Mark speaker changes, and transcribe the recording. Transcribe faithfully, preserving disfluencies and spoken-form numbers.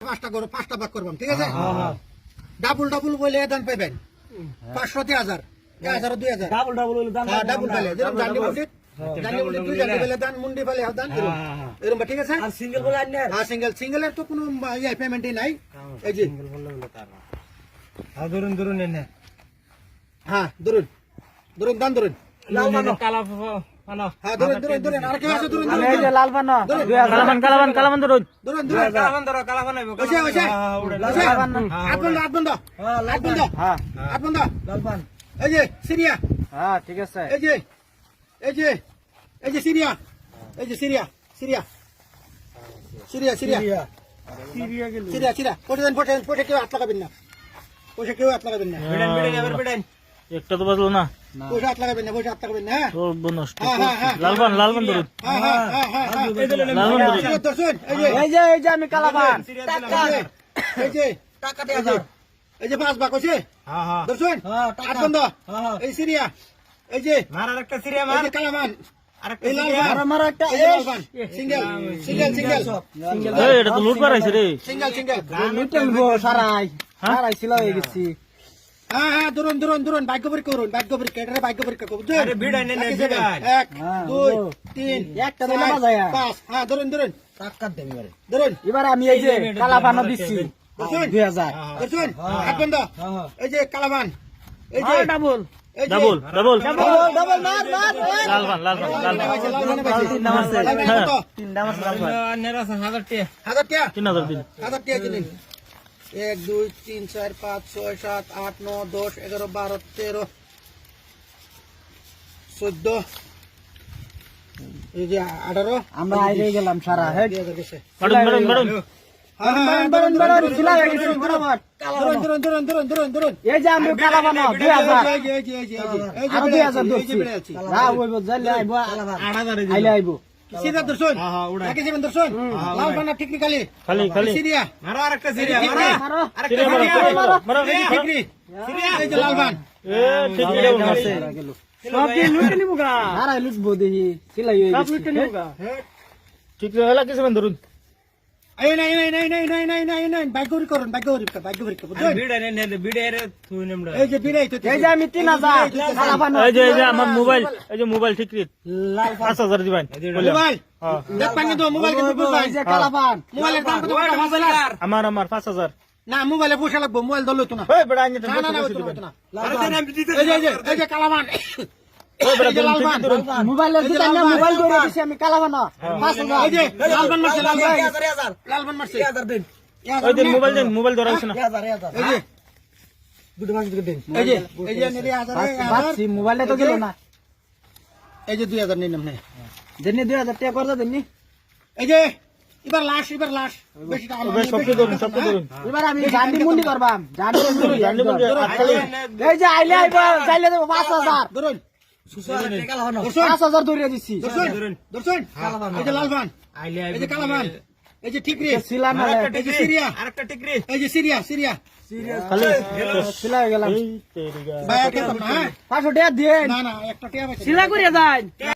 Speaker 1: পাঁচটা করো পাঁচটা ভাগ করবাম ঠিক আছে ডাবল ডাবল বলে দান পাইবেন পাঁচশো তিন হাজার এক হাজার দুই হাজার
Speaker 2: ডাবল ডাবল হইলো দাম
Speaker 1: হ্যাঁ ডাবল পেলে যেরকম জানি মুন্ডি জানি মুন্ডি দুই জানি পেলে দান মুন্ডি পেলে দান এরকম এরকম ঠিক আছে
Speaker 2: আর সিঙ্গেল বলে আনলে
Speaker 1: হ্যাঁ সিঙ্গেল সিঙ্গেলের তো কোনো ইয়ে পেমেন্টই নাই এই যে
Speaker 2: সিঙ্গেল বলে হলো তার হ্যাঁ ধরুন ধরুন এনে
Speaker 1: হ্যাঁ ধরুন ধরুন দান ধরুন
Speaker 2: লাল বানো কালা বানো
Speaker 1: হ্যাঁ ধরুন ধরুন ধরুন আর কেউ আছে ধরুন ধরুন
Speaker 3: এই যে লাল বানো কালাবান কালাবান কালাবান ধরুন
Speaker 1: ধরুন ধরুন
Speaker 2: কালা বান ধরো কালা বানাইবো
Speaker 1: ওসে ওসে ওসে হাত বন্ধ হাত বন্ধ
Speaker 2: হ্যাঁ
Speaker 1: হাত বন্ধ
Speaker 3: হ্যাঁ
Speaker 1: হাত বন্ধ
Speaker 2: লাল বান
Speaker 1: এই যে সিরিয়া
Speaker 3: হ্যাঁ ঠিক আছে
Speaker 1: এই যে এই যে এই যে সিরিয়া এই যে সিরিয়া সিরিয়া সিরিয়া সিরিয়া
Speaker 2: সিরিয়া গেল
Speaker 1: সিরিয়া সিরিয়া পয়সা দেন পয়সা দেন পয়সা কেউ হাত লাগাবেন না পয়সা কেউ হাত লাগাবেন না
Speaker 2: বিড়েন বিড়েন এবার বিড়েন
Speaker 4: একটা তো বাজলো না
Speaker 1: পয়সা হাত লাগাবেন না পয়সা হাত লাগাবেন না হ্যাঁ
Speaker 4: সর্ব নষ্ট
Speaker 1: হ্যাঁ হ্যাঁ হ্যাঁ
Speaker 4: লালবান লালবান ধরুন
Speaker 1: হ্যাঁ হ্যাঁ হ্যাঁ হ্যাঁ
Speaker 2: এই দিলেন
Speaker 4: লালবান ধরুন
Speaker 1: সিরিয়া দর্শন এই যে
Speaker 3: এই যে এই যে আমি কালাবান
Speaker 2: টাকা
Speaker 1: এই যে
Speaker 2: টাকা
Speaker 1: এই যে এই যে পাঁচ বাক হয়েছে
Speaker 2: হ্যাঁ হ্যাঁ
Speaker 1: দর্শন
Speaker 2: হ্যাঁ
Speaker 1: হাত
Speaker 2: টাকা
Speaker 1: বন্ধ
Speaker 2: হ্যাঁ
Speaker 1: এই সিরিয়া এই যে
Speaker 2: মার আরেকটা সিরিয়া
Speaker 1: এই
Speaker 2: মার
Speaker 1: যে কালামান
Speaker 2: আরেকটা
Speaker 1: এই
Speaker 2: সিরিয়া
Speaker 1: লালবান
Speaker 3: মারো একটা
Speaker 1: এই যে লালবান সিঙ্গেল সিঙ্গেল সিঙ্গেল
Speaker 4: এই এটা তো লুট বাড়াইছে রে
Speaker 1: সিঙ্গেল সিঙ্গেল
Speaker 3: লুটেল গো সারাই সারাই ছিল হয়ে গেছি
Speaker 1: হ্যাঁ হ্যাঁ ধরুন ধরুন ধরুন ভাগ্য পরীক্ষা করুন ভাগ্য পরীক্ষা এটা ভাগ্য পরীক্ষা করুন
Speaker 2: আরে ভিড়াই নে, নে, ভিড়াই।
Speaker 1: এক
Speaker 3: হ্যাঁ,
Speaker 1: দুই
Speaker 3: ও।
Speaker 1: তিন
Speaker 3: একটা দিলে
Speaker 1: চার,
Speaker 3: বাজায়া।
Speaker 1: পাঁচ হ্যাঁ ধরুন ধরুন
Speaker 2: টাকা দেন এবারে
Speaker 1: ধরুন
Speaker 3: এবার আমি এই যে কালাবানো দিচ্ছি
Speaker 1: দর্শন
Speaker 3: দুই হাজার
Speaker 1: দর্শন হাত বন্ধ
Speaker 2: হ্যাঁ
Speaker 1: এই যে কালাবান এই যে
Speaker 3: ডাবল
Speaker 1: এই যে
Speaker 4: ডাবল ডাবল
Speaker 3: ডাবল ডাবল মার মার
Speaker 4: লালবান লালবান লালবান
Speaker 1: লালবান, লালবান পাইছে।
Speaker 3: তিন নাম আছে।
Speaker 1: লালবান কত?
Speaker 3: তিন দাম আছে লালবান
Speaker 2: নেরা হাজার টাকা
Speaker 1: হাজার টাকা
Speaker 4: তিন হাজার দিন
Speaker 1: হাজার টাকা দিলেন এক দুই তিন চার পাঁচ ছয় সাত আট নয় দশ এগারো বারো তেরো চোদ্দ এই যে আঠারো
Speaker 3: আমরা আইরে গেলাম সারা হেড
Speaker 1: দুই হাজার গেছে।
Speaker 4: ম্যাডাম ম্যাডাম ম্যাডাম
Speaker 1: হ্যাঁ, হ্যাঁ, হ্যাঁ,
Speaker 3: বারণ
Speaker 1: ধরুন,
Speaker 3: বারণ
Speaker 1: ধরুন,
Speaker 3: ছিলা
Speaker 1: ধরুন,
Speaker 3: হয়ে গেছে
Speaker 1: ধরুন,
Speaker 3: বরাবর
Speaker 1: ধরুন, ধরুন, ধরুন, ধরুন, ধরুন, ধরুন।
Speaker 3: এই যে আমি কালাবানো দুই হাজার
Speaker 1: এই যে, এই যে, এই যে, এই যে, এই যে
Speaker 3: আরো
Speaker 1: বেড়ে
Speaker 3: দুই
Speaker 1: আছে,
Speaker 3: হাজার
Speaker 1: এই যে
Speaker 3: ধরছি
Speaker 1: বেড়ে আছে।
Speaker 3: না ওইব যাইলে আইব
Speaker 2: আট হাজারে
Speaker 3: আইলে আইব
Speaker 1: সিধা দর্শন,
Speaker 2: হ্যাঁ, হ্যাঁ, উড়াই।
Speaker 1: একে সেভেন দর্শন, লাল বানা টেকনিক্যালি,
Speaker 4: খালি খালি
Speaker 1: সিরিয়া,
Speaker 2: মারো আরেকটা সিরিয়া
Speaker 1: এই যে
Speaker 2: মারো
Speaker 3: মারো
Speaker 2: আরেকটা
Speaker 4: সিরিয়া মারো,
Speaker 2: সিরিয়া
Speaker 4: মারো, মারো।
Speaker 1: এই যে ঠিকরি, এই যে লাল বান।
Speaker 4: এ ঠিক আছে মারছে
Speaker 3: সব কি লুটে নিবো গা আরে লুটবো দেখি সিলাই হয়ে গেছে সব লুটে নিবো গা
Speaker 4: ঠিক আছে হলা কিছু ধরুন
Speaker 1: এই নাই, নাই, নাই, নাই, নাই, নাই, নাই, নাই, ভাগ্য পরীক্ষা করুন, ভাগ্য পরীক্ষা, ভাগ্য পরীক্ষা, বুঝছেন?
Speaker 2: ভিড় নে নে ভিড় এর থুই নেমড়া
Speaker 1: এই যে বিড়াই তো,
Speaker 3: এই যে আমি তিন হাজার কালাবানো
Speaker 4: এই যে এই যে আমার মোবাইল এই যে মোবাইল ঠিক রে পাঁচ হাজার দিবেন
Speaker 1: মোবাইল,
Speaker 4: হ্যাঁ
Speaker 1: দেখ পাঙ্গে তো মোবাইল কিন্তু বুঝবাই।
Speaker 3: এই যে কালাবান
Speaker 1: মোবাইলের দাম কত টাকা? পাঁচ হাজার?
Speaker 4: আমার আমার পাঁচ হাজার
Speaker 1: না, মোবাইলে পয়সা লাগবো, মোবাইল ধরলে তো না।
Speaker 4: ওই বেড়া আইনে
Speaker 1: না, না, না, ওই তো না, ওই তো না।
Speaker 2: আরে দেন আমি দিতে
Speaker 1: এই যে, এই যে, এই যে কালামান,
Speaker 4: ওই বেড়া
Speaker 1: এই যে লাল বান,
Speaker 4: ধরুন
Speaker 3: মোবাইলের
Speaker 1: এই যে
Speaker 3: দোকানে
Speaker 1: লালবান,
Speaker 3: মোবাইল ধরে দিছি আমি কালাবানো পাঁচ হাজার
Speaker 1: এই যে লাল বান মারছে, লাল বান,
Speaker 2: হাজার হাজার
Speaker 1: লাল বান মারছে।
Speaker 2: হাজার দেন
Speaker 4: ওই দিন মোবাইল দেন মোবাইল ধরা হইছে না
Speaker 2: হাজার হাজার
Speaker 1: এই যে,
Speaker 2: দুটো মাস দিতে দেন
Speaker 1: এই যে, এই যে নিলে হাজার, এই হাজার,
Speaker 3: বাচ্চি মোবাইলে তো গেল না
Speaker 1: এই যে দুই হাজার নিন আপনি।
Speaker 3: দেনি দুই হাজার টাকা করতে দেনি
Speaker 1: এই যে এবার লাশ, এবার লাশ, বেশি টাকা
Speaker 4: ওই সবকে ধরুন সবকে ধরুন
Speaker 3: এবার আমি জানি মুন্ডি করবাম জানি মুন্ডি
Speaker 4: জানলে বলবে আটকালে
Speaker 3: এই যে আইলে আইব চাইলে দেব পাঁচ হাজার
Speaker 1: ধরুন,
Speaker 2: টাকা লাগানো
Speaker 1: দর্শন,
Speaker 3: পাঁচ হাজার ধরে দিছি
Speaker 1: দর্শন, দর্শন, এই যে লাল বান,
Speaker 2: আইলে
Speaker 1: এই যে কালামান, এই যে ঠিকরি,
Speaker 3: সিলা না
Speaker 2: আরেকটা
Speaker 1: এই যে সিরিয়া,
Speaker 2: আরেকটা টিকরি
Speaker 1: এই যে সিরিয়া, সিরিয়া,
Speaker 4: খালি
Speaker 3: সিলা হয়ে গেলাম
Speaker 4: এই তেরি গা
Speaker 1: ভাই আর খেতাম না, হ্যাঁ?
Speaker 3: পাঁচশো টাকা দিয়ে
Speaker 1: না, না, একটা টিয়া পাইছে।
Speaker 3: সিলা করে যায়